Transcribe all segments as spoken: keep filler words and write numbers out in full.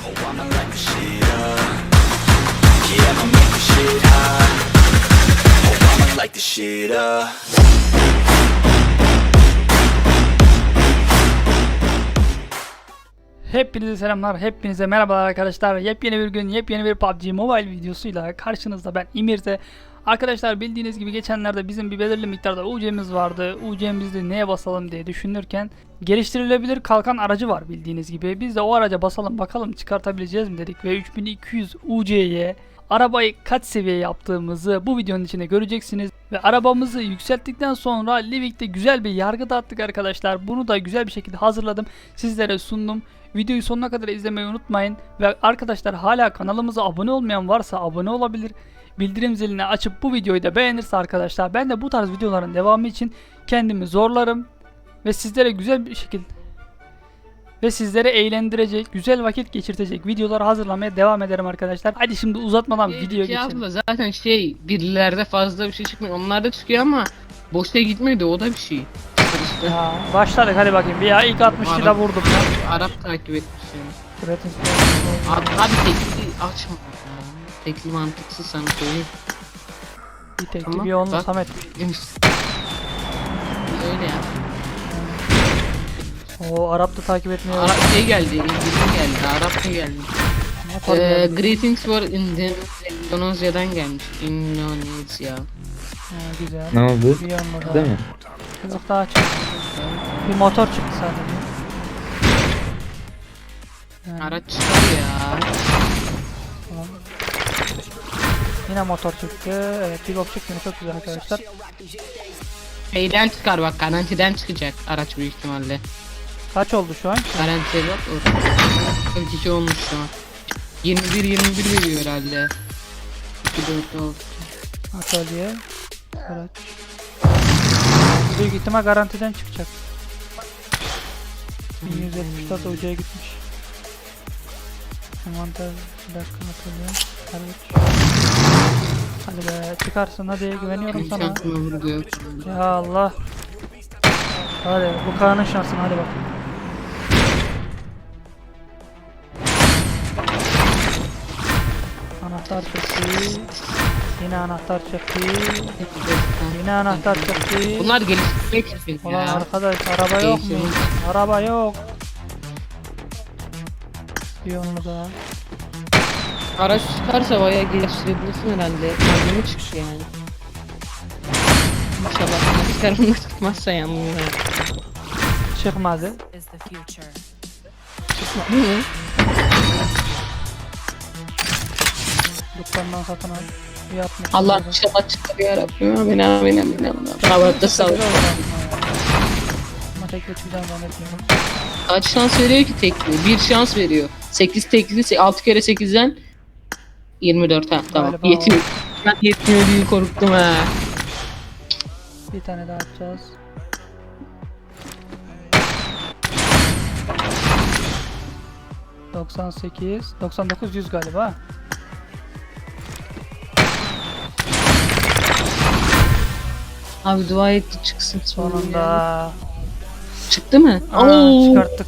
Oh, I'ma light the shit up. Yeah, I'ma make the shit hot. Oh, I'ma light the shit up. Hepinize selamlar, hepinize merhabalar arkadaşlar. Yepyeni bir gün, yepyeni bir P U B G Mobile videosuyla karşınızda ben İmir'de. Arkadaşlar bildiğiniz gibi geçenlerde bizim bir belirli miktarda U C'miz vardı. U C'mizde neye basalım diye düşünürken geliştirilebilir kalkan aracı var bildiğiniz gibi. Biz de o araca basalım bakalım çıkartabileceğiz mi dedik ve üç bin iki yüz U C'ye arabayı kaç seviye yaptığımızı bu videonun içinde göreceksiniz. Ve arabamızı yükselttikten sonra Livik'te güzel bir yargı dağıttık arkadaşlar. Bunu da güzel bir şekilde hazırladım, sizlere sundum. Videoyu sonuna kadar izlemeyi unutmayın. Ve arkadaşlar hala kanalımıza abone olmayan varsa abone olabilir. Bildirim zilini açıp bu videoyu da beğenirse arkadaşlar ben de bu tarz videoların devamı için kendimi zorlarım. Ve sizlere güzel bir şekilde ve sizlere eğlendirecek, güzel vakit geçirtecek videolar hazırlamaya devam ederim arkadaşlar. Hadi şimdi uzatmadan Şey, videoya şey geçelim. abla, zaten şey birilerde fazla bir şey çıkmıyor. Onlar da çıkıyor ama boşta gitmedi, o da bir şey. İşte Ya, başladık hadi bakayım. Bir ya ilk altmış kilo vurdum. Arap takip etmiş yani. Üretim. Abi, abi tekli açma. Tekli mantıksız sana söyleyeyim. Bir tek Tamam, bir onunla bak. Samet. Öyle ya. O Arap da takip etmiyor. Arap şey geldi, İngiliz geldi, Arap da geldi. Motor Ee, geldi. greetings for Indonezya'dan gelmiş. Endonezya. Ha, güzel. Ne oldu? Bir yanma daha. Değil mi? Yok daha çıktı. Bir motor çıktı sadece. Yani, Araç çıkar ya. tamam. Yine motor çıktı. Evet bir bok çıktı. Çok güzel arkadaşlar. Şeyden çıkar bak, garantiden çıkacak araç büyük ihtimalle. Kaç oldu şu an? Garantiye bak orada. kırk iki olmuş şu an. yirmi bir yirmi bir veriyor herhalde. iki dört altı. Atölye. Araç. Büyük ihtimal garantiden çıkacak. bin yüz yetmiş dört ucuya gitmiş. Envanter bir dakika atölye. Araç. Hadi be çıkarsın hadi güveniyorum sana. Şansıma vurdu. Ya Allah. Hadi bu Kaan'ın şansına hadi bak. Anahtar çekti. Yine anahtar çekti. Yine anahtar çekti. Bunlar geliştirmek için Ulan ya. arkadaş araba yok mu? Değiştirmek. Araba yok. Bir onu da. Araç çıkarsa bayağı geliştirebilirsin herhalde. Malzeme çıkış yani. İnşallah çıkarımda çıkmazsa yalnız. Çıkmadı. is the future. Çıkmadı mı? Dükkandan satın al. Bir altmış Allah lira. inşallah çıkar ya Rabbim. Amin amin amin amin. Kahvaltıda sağ ol. Güzel oldu aslında ya. Ama tek geçmeyeceğim zannetmiyorum. Kaç şans veriyor ki tekli? Bir şans veriyor. sekiz tekli, altı kere sekizden yirmi dört, ha tamam. Galiba Yetmiyor. Ben yetmiyor diye korktum ha. Bir tane daha atacağız. doksan sekiz, doksan dokuz, yüz galiba. Abi dua etti çıksın Sonunda. Çıktı mı? Aa, Oo. çıkarttık.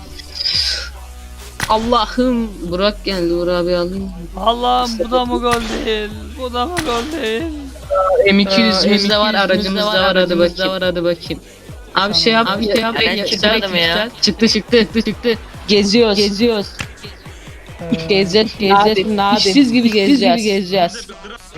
Allah'ım, Burak geldi, Burak abi alayım. Allah'ım bu da mı gol değil? Bu da mı gol değil? M iki yüz'ümüz de var, M iki yüz'ümüz aracımız da var, hadi bakayım. Var, hadi bakayım. Abi şey yap, abi şey yap. Ben çıkmadım ya. Çıktı, çıktı, çıktı, çıktı. Geziyoruz. Geziyoruz. Ee, Gezeceğiz, gezeceğiz. İşsiz gibi gezeceğiz. gezeceğiz.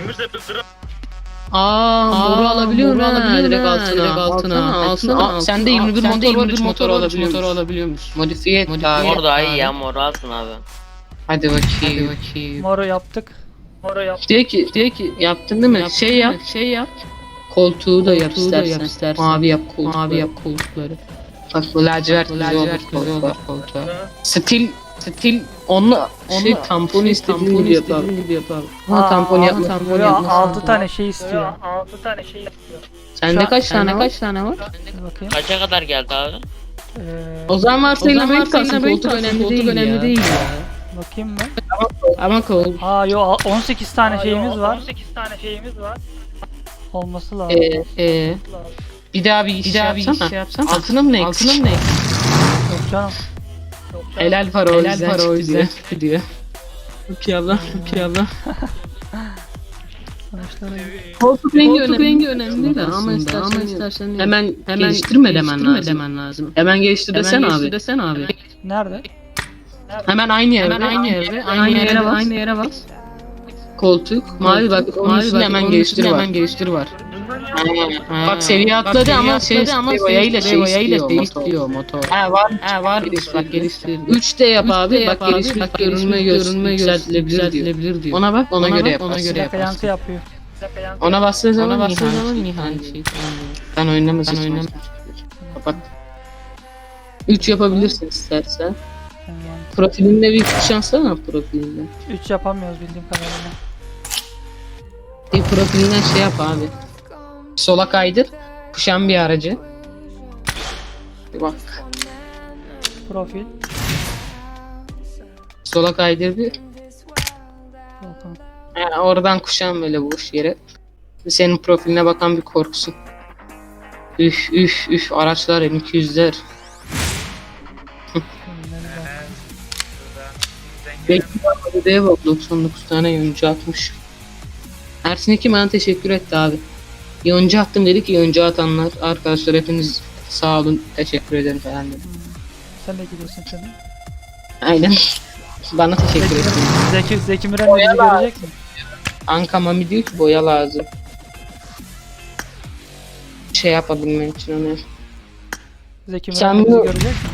Aa, boru alabiliyor mu? Alabiliyor direkt altına. Direkt altına. Altına. Sen de yirmi bir motor var, üç motor alabiliyor. Motor alabiliyormuş. Modifiye et. Mor daha iyi ya, mor alsın abi. Hadi bakayım. Hadi bakayım. moru yaptık. Moru yaptık. Diyor ki, diyor ki yaptın değil mi? şey yap, şey yap. Koltuğu da yap istersen. Mavi yap koltukları. Mavi yap koltukları. Bak bu lacivert güzel olur koltuğa. Stil, stil onunla şey tampon istediğin gibi yapalım. gibi yapalım. Ama tampon yapma. Tampon yapma. altı tane şey istiyor. altı tane şey istiyor. Sende kaç tane kaç tane var? Bir bakayım. Kaça kadar geldi abi? Ee, O zaman varsayılan renk kalsın. Koltuk önemli değil. önemli değil ya. bakayım mı? Ama kol. Aa yo on sekiz tane şeyimiz var. on sekiz tane şeyimiz var. Olması lazım. Ee, ee. Bir daha bir iş bir daha bir iş yapsana. Altına mı ne? Altına mı ne? Yok canım. Helal para o yüzden para o yüzden diyor. Rukiye abla, Rukiye abla. Sonuçları Koltuk rengi, Koltuk rengi önemli de ama istersen, ama istersen hemen hemen geliştirme demen lazım. demen lazım. Hemen geliştir desen abi. Desen abi. nerede? Hemen aynı yere, hemen aynı yere, aynı yere bas. Aynı yere bas. Koltuk, mavi bak, mavi bak, hemen geliştir var. Hemen geliştir var. Ha, bak seviye atladı ama şey ama boyayla şey istiyor motor. Ha var, ha var bak geliştir. üç de yap abi, bak geliştir, bak görünme görünme yükseltilebilir diyor. Ona bak, ona göre yap. Ona göre Yankı yap. yankı yapıyor. Ona bastığı zaman ona bastığı zaman Nihan şey. Ben oynamaz ben oynamaz. Kapat. üç yapabilirsin istersen. Yani Profilinde bir şans var mı profilinde? üç yapamıyoruz bildiğim kadarıyla. Bir profilinden şey yap abi. Sola kaydır. Kuşan bir aracı. Bir bak. Profil. Sola kaydır bir. Volkan. Ha, oradan kuşan böyle boş yere. Senin profiline bakan bir korksun. Üf üf üf araçlar M iki yüzler. Bekliyor bak doksan dokuz tane yoncu atmış. Ersin Ekim bana teşekkür etti abi. Yoncu attım dedi ki yoncu atanlar arkadaşlar hepiniz sağ olun teşekkür ederim falan dedi. Sen de gidiyorsun şimdi. Aynen. Bana teşekkür etti. Zeki, Zeki Müren de bizi görecek mi? Anka Mami diyor ki boya lazım. Şey yapabilmem için onu. Zeki Sen Müren de bizi bu- görecek mi?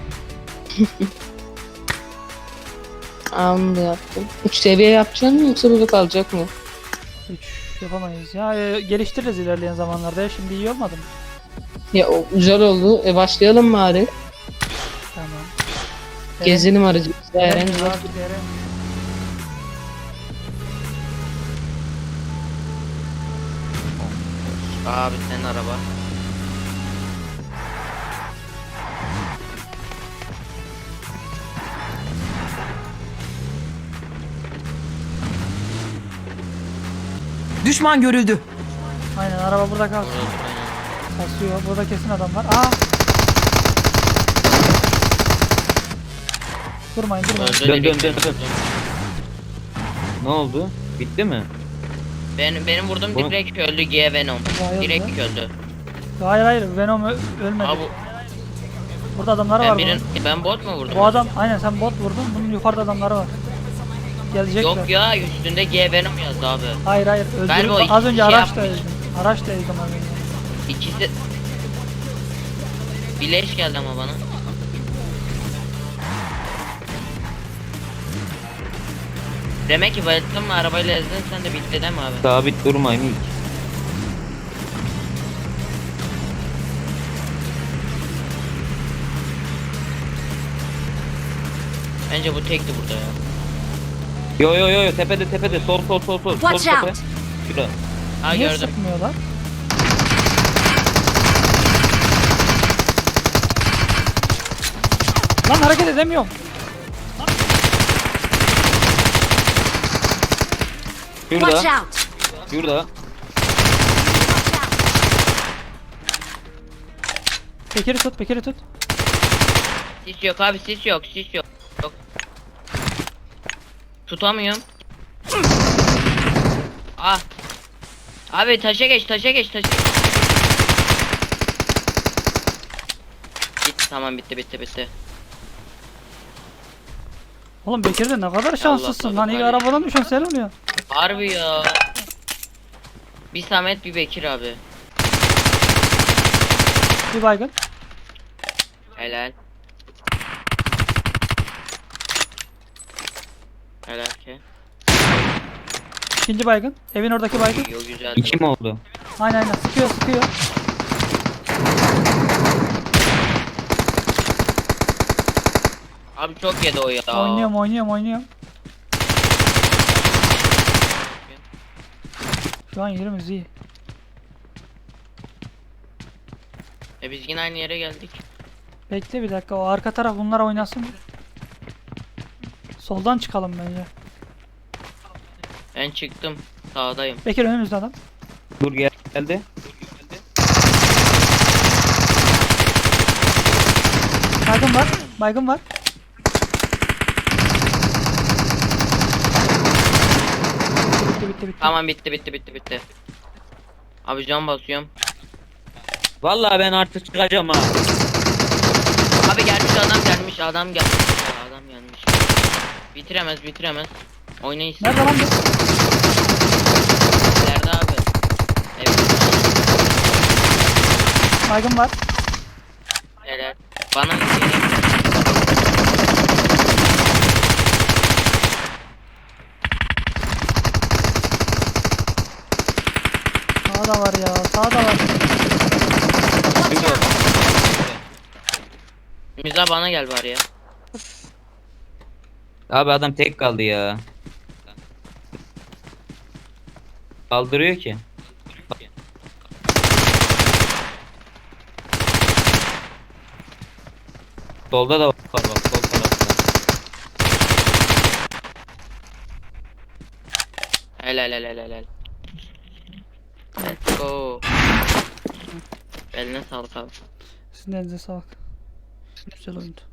Anında yaptım. üç seviye yapacaksın mı yoksa burada kalacak mı? üç yapamayız. Ya e, geliştiririz ilerleyen zamanlarda. Ya şimdi iyi olmadı mı? Ya o güzel oldu. E başlayalım bari. Tamam. Gezelim aracımızda. Eren, Eren. Eren, Eren. Abi senin araba. Düşman görüldü. Aynen araba burada kalsın. Kasıyor. Burada kesin adam var. Aa! Durmayın durmayın. Öldü Dön de dön dön bekliyorum. dön. Ne oldu? Bitti mi? Ben, benim vurdum Bu- direkt öldü G Venom. Bayıldı. Direkt öldü. Hayır hayır Venom ö- ölmedi. Abi Burada adamları ben var birin, bunun. ben bot mu vurdum? Bu adam aynen sen bot vurdun. Bunun yukarıda adamları var. Gelecekler. Yok ya üstünde G Venom yazdı abi. Hayır hayır Galiba o öldürdüm. iki Az önce şey araçla yapmış. ezdim. Araçla ezdim az önce. İkisi... Bir leş geldi ama bana. Demek ki bayılttın mı arabayla ezdin sen de bitti değil mi abi? Sabit durmayın ilk. Bence bu tekti burada ya. Yo yo yo yo tepede tepede sol sol sol sol. Watch sol tepe. out. Şurada. Ha Niye gördüm. sıkmıyorlar? Lan hareket edemiyorum. Watch Şurada. out! Şurada. Bekir'i tut, Bekir'i tut. Sis yok abi sis yok sis yok. Yok. Tutamıyorum. Ah. Abi taşa geç taşa geç taşa. Bitti tamam bitti bitti bitti. Oğlum Bekir de ne kadar şanslısın Allah lan. İlk Allah. arabadan düşen sen oluyor. Harbi ya. Bir Samet bir Bekir abi. Bir baygın. Helal. Helal ki. İkinci baygın. Evin oradaki baygın. Yo güzel. İki mi oldu? Aynen aynen. Sıkıyor sıkıyor. Abi çok yedi o ya. Oynuyorum oynuyorum oynuyorum. Şu an yerimiz iyi. E biz yine aynı yere geldik. Bekle bir dakika. O arka taraf bunlar oynasın. Soldan çıkalım bence. Ben çıktım. Sağdayım. Bekir önümüzde adam. Dur gel geldi. Baygın var. Baygın var. bitti bitti bitti. Tamam bitti bitti bitti bitti. Abi can basıyorum. Vallahi ben artık çıkacağım ha. Abi gelmiş adam gelmiş adam gelmiş. Ya, adam gelmiş. Bitiremez bitiremez. Oynayın siz. Nerede lan bu? Nerede abi? Evet. Baygın var. Helal. Bana geliyor. Sağda var ya. Sağda var. Müza bana gel bari ya. Abi adam tek kaldı ya. Kaldırıyor ki. Solda da var bak sol tarafta. Helal helal helal. Let's go. Eline sağlık abi. Sizin elinize sağlık. Güzel oyundu.